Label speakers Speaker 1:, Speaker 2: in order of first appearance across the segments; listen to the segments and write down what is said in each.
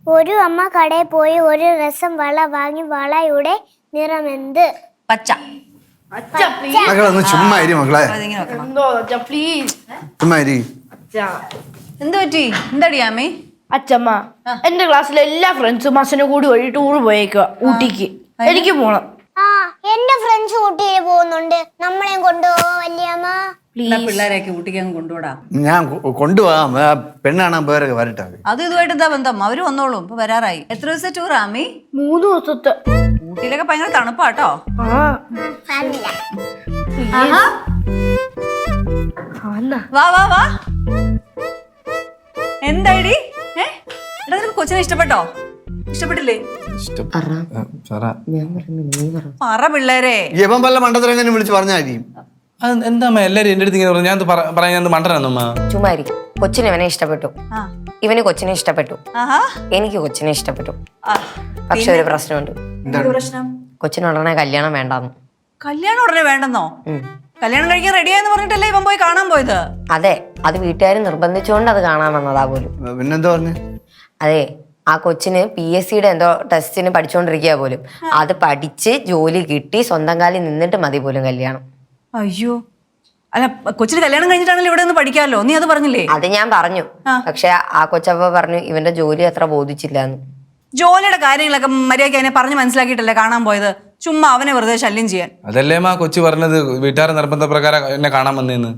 Speaker 1: ഒരു അമ്മ കടയിൽ പോയി ഒരു രസം വള വാങ്ങി. വളയുടെ നിറമെന്ത്?
Speaker 2: പച്ച.
Speaker 3: മക്കളൊന്ന് ചുമ്മാ ഇരി മക്കളെ. ചുമ്മാ ഇരി.
Speaker 2: എന്ത് പറ്റി? എന്താടി ആമി?
Speaker 4: അച്ഛമ്മ, എന്റെ ക്ലാസ്സിലെ എല്ലാ ഫ്രണ്ട്സും അച്ഛനെ കൂടി വഴി ടൂർ പോയേക്കുക ഊട്ടിക്ക്. എനിക്ക് പോണം.
Speaker 1: ആ, എന്റെ ഫ്രണ്ട്സ് ഊട്ടിയിൽ പോകുന്നുണ്ട്. നമ്മളെയും കൊണ്ടുപോവോ വല്യമ്മ?
Speaker 2: പിള്ളേരെയൊക്കെ ഊട്ടിക്ക് അങ്ങ് കൊണ്ടുപോടാ.
Speaker 3: ഞാൻ കൊണ്ടുപോകാം. പെണ്ണ് കാണാൻ പേരൊക്കെ വരട്ടെ.
Speaker 2: അത് ഇതുമായിട്ട് എന്താ ബന്ധം? അവര് വന്നോളും. ഇപ്പൊ വരാറായി. എത്ര ദിവസത്തെ ടൂർ ആമി?
Speaker 4: 3 ദിവസത്തെ.
Speaker 2: ഊട്ടിയിലൊക്കെ ഭയങ്കര തണുപ്പാട്ടോ. വാ വാ വാ. എന്തായിടി? എടാ, നിനക്ക് കൊച്ചിനെ ഇഷ്ടപ്പെട്ടോ? ഇഷ്ടപ്പെട്ടില്ലേ? പറ പിള്ളേരെ.
Speaker 3: യവൻ വല്ല മണ്ടത്തരം എങ്ങനെ വിളിച്ച് പറഞ്ഞാൽ മതി.
Speaker 5: എന്താ എല്ലാരും എന്റെ അടുത്ത് ഇങ്ങനെ പറഞ്ഞു? ഞാൻ പറയാൻ ഞാൻ മണ്ടനാന്നമ്മ.
Speaker 6: ചുമ്മാരി. കൊച്ചിന് ഇവനെ ഇഷ്ടപ്പെട്ടു, ഇവന് കൊച്ചിനെ ഇഷ്ടപ്പെട്ടു, എനിക്ക് കൊച്ചിനെ ഇഷ്ടപ്പെട്ടു. പക്ഷെ ഒരു പ്രശ്നമുണ്ട്.
Speaker 2: പ്രശ്നം?
Speaker 6: കൊച്ചിന് ഉടനെ കല്യാണം വേണ്ടാന്ന്.
Speaker 2: കല്യാണം ഉടനെ വേണ്ടെന്നോ? കല്യാണം കഴിക്കാൻ റെഡിയാന്ന് പറഞ്ഞിട്ടല്ലേ ഇവൻ പോയി കാണാൻ പോയത്?
Speaker 6: അതെ, അത് വീട്ടുകാർ നിർബന്ധിച്ചുകൊണ്ട് അത് കാണാൻ വന്നതാ പോലും.
Speaker 3: പിന്നെന്താ പറഞ്ഞു?
Speaker 6: അതെ, ആ കൊച്ചിന് PSCയുടെ എന്തോ ടെസ്റ്റിന് പഠിച്ചുകൊണ്ടിരിക്കുക പോലും. അത് പഠിച്ച് ജോലി കിട്ടി സ്വന്തം കാലിൽ നിന്നിട്ട് മതി പോലും കല്യാണം.
Speaker 2: അയ്യോ, അല്ല കൊച്ചിന് കല്യാണം കഴിഞ്ഞിട്ടാണല്ലോ ഇവിടെ നിന്ന് പഠിക്കാമല്ലോ. നീ അത് പറഞ്ഞില്ലേ?
Speaker 6: അത് ഞാൻ പറഞ്ഞു. പക്ഷെ ആ കൊച്ചപ്പ പറഞ്ഞു ഇവന്റെ ജോലി അത്ര ബോധിച്ചില്ലാന്ന്.
Speaker 2: ജോലിയുടെ കാര്യങ്ങളൊക്കെ മര്യാദയ്ക്ക് അതിനെ പറഞ്ഞ് മനസ്സിലാക്കിയിട്ടല്ലേ കാണാൻ പോയത്? ചുമ്മാ അവനെ വെറുതെ ശല്യം ചെയ്യാൻ.
Speaker 5: അതല്ലേ മാ കൊച്ചു പറഞ്ഞത്, വീട്ടുകാരെ നിർബന്ധ പ്രകാരം എന്നെ കാണാൻ വന്നേന്ന്.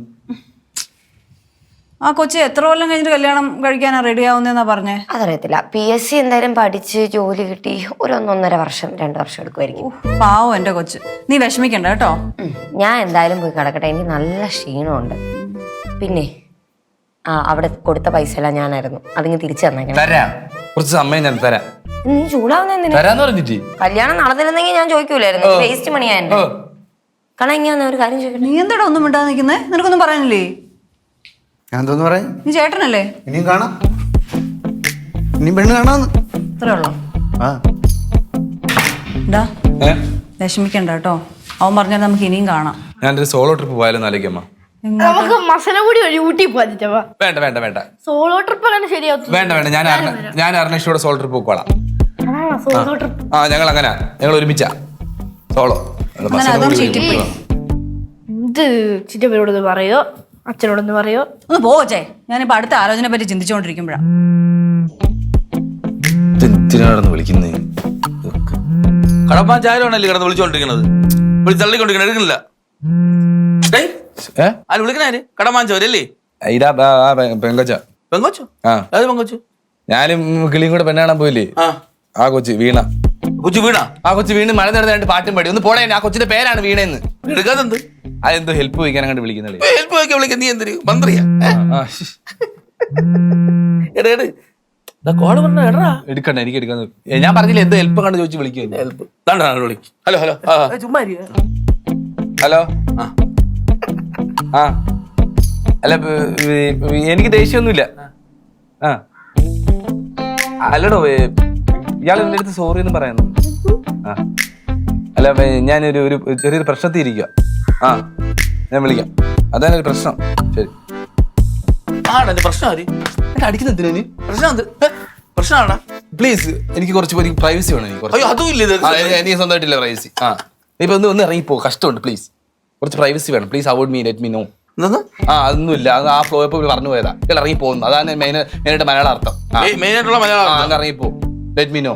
Speaker 2: ആ കൊച്ചി എത്ര കൊല്ലം കഴിഞ്ഞിട്ട് കല്യാണം കഴിക്കാനാ റെഡി ആവുന്നതെന്നാ പറഞ്ഞേ?
Speaker 6: അതറിയത്തില്ല. PSC എന്തായാലും പഠിച്ച് ജോലി കിട്ടി ഒരു 1.5 വർഷം 2 വർഷം എടുക്കുമായിരിക്കും.
Speaker 2: പാവം എന്റെ കൊച്ച്. നീ വിഷമിക്കണ്ട കേട്ടോ.
Speaker 6: ഞാൻ എന്തായാലും പോയി കിടക്കട്ടെ, എനിക്ക് നല്ല ക്ഷീണമുണ്ട്. പിന്നെ അവിടെ കൊടുത്ത പൈസ എല്ലാം ഞാനായിരുന്നു, അതിങ്ങ് തിരിച്ചു തന്നേക്കണം.
Speaker 5: തരാം, കുറച്ച് സമയം ഞാൻ തരാം.
Speaker 6: നീ ചൂടാവുന്ന
Speaker 5: തരാന്ന് പറഞ്ഞിട്ട്
Speaker 6: കല്യാണം നടന്നിരുന്നെങ്കിൽ ഞാൻ ചോദിക്കൂലായിരുന്നു. വേസ്റ്റ് മണിയായിരുന്നു. കാരണം ഇങ്ങനെ ഒരു കാര്യം ചോദിക്കട്ടെ.
Speaker 2: നീ എന്താടാ ഒന്നും മിണ്ടാതെ നിൽക്കുന്നേ? നിനക്കൊന്നും പറയാനില്ലേ?
Speaker 3: ഞാൻ തോന്നുന്നു പറയാം.
Speaker 2: നീ ചേട്ടനല്ലേ?
Speaker 3: ഇനിയും കാണാം, ഇനിയും പെണ്ണ് കാണാന്ന്.
Speaker 2: ഇത്രേ ഉള്ളോ? വിഷമിക്കണ്ട കേട്ടോ. അവൻ പറഞ്ഞാൽ നമുക്ക് ഇനിയും കാണാം.
Speaker 5: ഞാനൊരു സോളോ ട്രിപ്പ് പോയാലും ആലോചിക്കമ്മ.
Speaker 4: നമുക്ക് മസനഗുടി വഴി ഊട്ടി പോവാ.
Speaker 5: വേണ്ട വേണ്ട വേണ്ട,
Speaker 4: സോളോ ട്രിപ്പ് അങ്ങനെ ശരിയാവും.
Speaker 5: വേണ്ട വേണ്ട, ഞാൻ അർണേഷോടെ സോളോ ട്രിപ്പ് പോക്കോളാം.
Speaker 4: സോളോ ട്രിപ്പ്
Speaker 5: ഞങ്ങൾ അങ്ങനെ ഞങ്ങൾ ഒരുമിച്ചാ സോളോ.
Speaker 4: ഇത് ചിറ്റപ്പനോടൊന്ന് പറയോ അച്ഛനോടൊന്ന് പറയോ?
Speaker 2: ഒന്ന് പോച്ചേ. ഞാനിപ്പോ അടുത്ത ആലോചന പറ്റി ചിന്തിച്ചോണ്ടിരിക്കുമ്പോഴാ.
Speaker 5: എന്തിനാണെന്ന് വിളിക്കുന്നേ? കടപ്പാൻ ചായലാണല്ലേ കിടന്ന് വിളിച്ചോണ്ടിരിക്കണത്? തള്ളിക്കൊണ്ടിരിക്കണ എടുക്കണില്ല. വിളിക്കണേ കടമാഞ്ചോരല്ലേ? ഇതാ പെങ്കൊച്ച. പെങ്കൊച്ചോ? അത് പെങ്കൊച്ചു. ഞാനും കിളിയും കൂടെ പെണ്ണാണാൻ പോയില്ലേ? ആ കൊച്ചു വീണ. കൊച്ചു വീണ? ആ കൊച്ചു വീണ് മഴ നടന്ന് പാട്ടും പാടി. ഒന്ന് പോടേ, ആ കൊച്ചിന്റെ പേരാണ് വീണേന്ന്. എടുക്കാതെന്ത്? അതെന്തോ ഹെൽപ്പ് ചോദിക്കാൻ അങ്ങോട്ട് വിളിക്കുന്നത്. ഹെൽപ്പ് ചോദിക്കാൻ വിളിക്കാൻ നീ എന്തൊരു മന്ത്രിയാ? എടുക്കണ്ട, എനിക്ക് എടുക്കാന്ന്. ഞാൻ പറഞ്ഞില്ല എന്തോ ഹെൽപ്പ് കണ്ട് ചോദിച്ചു വിളിക്കും. Help hello hello hello. അല്ല എനിക്ക് ദേഷ്യമൊന്നുമില്ല. അല്ലടോ, ഇയാൾ എന്റെ അടുത്ത് സോറി എന്ന് പറയുന്നു. അല്ല ഞാനൊരു ചെറിയൊരു പ്രശ്നത്തിൽ ഇരിക്കുക. ഞാൻ വിളിക്കാം. അതാണ് ഒരു പ്രശ്നം. ശരി. പ്രശ്നം പ്ലീസ്, എനിക്ക് കുറച്ച് പ്രൈവസി വേണം. എനിക്ക് സ്വന്തമായിട്ടില്ല പ്രൈവസി. ഇപ്പൊ ഒന്ന് ഇറങ്ങിപ്പോ, കഷ്ടമുണ്ട്. പ്ലീസ് കുറച്ച് പ്രൈവസി വേണം. Please avoid me, let me know. അതൊന്നുമില്ല, അത് ആ ഫ്ലോ ഇപ്പൊ പറഞ്ഞു പോയതാ. ഇറങ്ങി പോകുന്നു, അതാണ് മെയിനായിട്ട് മലയാള അർത്ഥം. ഇറങ്ങിപ്പോ, ലെറ്റ് മീ നോ.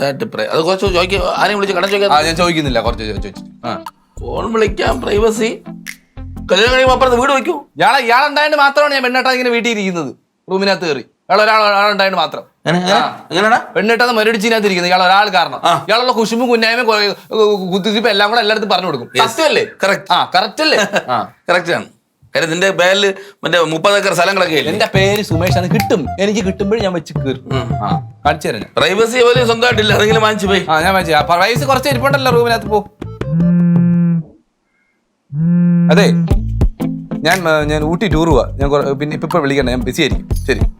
Speaker 5: ഞാൻ ചോദിക്കുന്നില്ല, കുറച്ച് ചോദിച്ചു. ഫോൺ വിളിക്കാം, പ്രൈവസി. കല്യാണം കഴിയുമ്പോൾ അപ്പുറത്ത് വീട് വെക്കൂ. ഇയാളുണ്ടായിട്ട് മാത്രമാണ് ഞാൻ പെണ്ണേട്ടാ ഇങ്ങനെ വീട്ടിൽ ഇരിക്കുന്നത്. റൂമിനകത്ത് കയറി ഒരാളുണ്ടായിട്ട് മാത്രം. പെണ്ണിട്ടാ മരടിച്ചിനകത്ത് ഇരിക്കുന്നത് ഇയാൾ ഒരാൾ കാരണം. ഇയാളുള്ള കുശുമ്പും കുന്നായ്മ കുത്തിരിപ്പ് എല്ലാം കൂടെ എല്ലായിടത്തും പറഞ്ഞു കൊടുക്കും. സത്യമല്ലേ? കറക്റ്റ് അല്ലേ? കറക്റ്റ് ആണ്. കാര്യം നിന്റെ പേരില് മറ്റേ 30 ഏക്കർ സ്ഥലങ്ങളൊക്കെ ഇല്ലേ? എന്റെ പേര് സുമേഷ് ആണ്. കിട്ടും, എനിക്ക് കിട്ടുമ്പോഴും ഞാൻ വെച്ച് കയറും. കാണിച്ചു തരാം. പ്രൈവസി പോലും സ്വന്തമായിട്ടില്ല, അതെങ്കിലും വാങ്ങിച്ചു പോയി. ഞാൻ വാങ്ങിച്ചു. പ്രൈവസി കുറച്ച് ഇരിപ്പുണ്ടല്ലോ റൂമിനകത്ത്. പോ. അതെ, ഞാൻ ഊട്ടി ടൂർ പോവാ. ഞാൻ പിന്നെ ഇപ്പൊ വിളിക്കണ്ട, ഞാൻ ബിസി ആയിരിക്കും. ശരി.